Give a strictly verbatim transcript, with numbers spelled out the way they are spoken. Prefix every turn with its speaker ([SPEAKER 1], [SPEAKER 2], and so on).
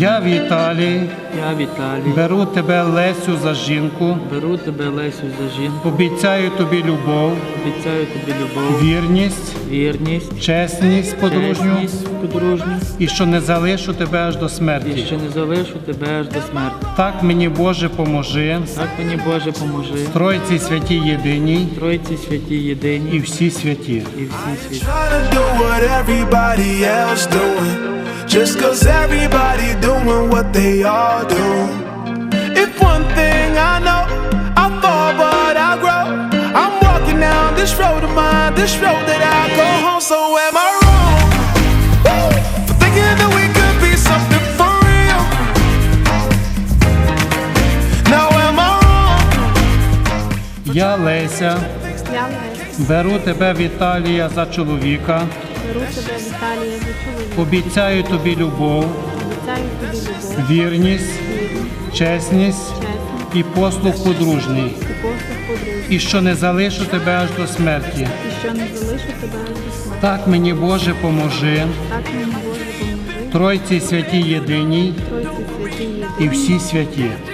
[SPEAKER 1] Я, Віталій,
[SPEAKER 2] Я, Віталій,
[SPEAKER 1] беру тебе, Лесю, за жінку,
[SPEAKER 2] беру тебе, Лесю, за жінку,
[SPEAKER 1] обіцяю тобі любов,
[SPEAKER 2] обіцяю тобі любов,
[SPEAKER 1] вірність,
[SPEAKER 2] вірність,
[SPEAKER 1] чесність подружню,
[SPEAKER 2] чесність подружню,
[SPEAKER 1] і що не залишу тебе аж до
[SPEAKER 2] і
[SPEAKER 1] смерті.
[SPEAKER 2] що не залишу тебе аж до смерті.
[SPEAKER 1] Так мені, Боже, поможи,
[SPEAKER 2] Так мені, Боже, поможи,
[SPEAKER 1] Тройці святій єдиній
[SPEAKER 2] Тройці святі єдині
[SPEAKER 1] і всі святі.
[SPEAKER 2] і всі святі.
[SPEAKER 3] Trying to do what everybody else doing, just cause everybody doing what they all do. If one thing I know, I fall but I grow. I'm walking down this road of mine, this road that I go home. So am I wrong Woo! for thinking that we could be something for real? Now am I wrong?
[SPEAKER 1] Я, Леся,
[SPEAKER 4] Я, Леся,
[SPEAKER 1] беру тебе, Віталія, за чоловіка,
[SPEAKER 4] беру тебе, Віталія, за чоловіка,
[SPEAKER 1] обіцяю тобі любов,
[SPEAKER 4] обіцяю тобі любов,
[SPEAKER 1] вірність,
[SPEAKER 4] вірність,
[SPEAKER 1] чесність
[SPEAKER 4] чесність
[SPEAKER 1] і послуг подружній,
[SPEAKER 4] і послуг подружній,
[SPEAKER 1] і що не залишу тебе аж до смерті.
[SPEAKER 4] і що не залишу тебе аж до смерті.
[SPEAKER 1] Так мені, Боже, поможи,
[SPEAKER 4] Так мені, Боже, поможи,
[SPEAKER 1] Тройці святій єдиній
[SPEAKER 4] Тройці святі
[SPEAKER 1] і
[SPEAKER 4] єдині
[SPEAKER 1] всі святі.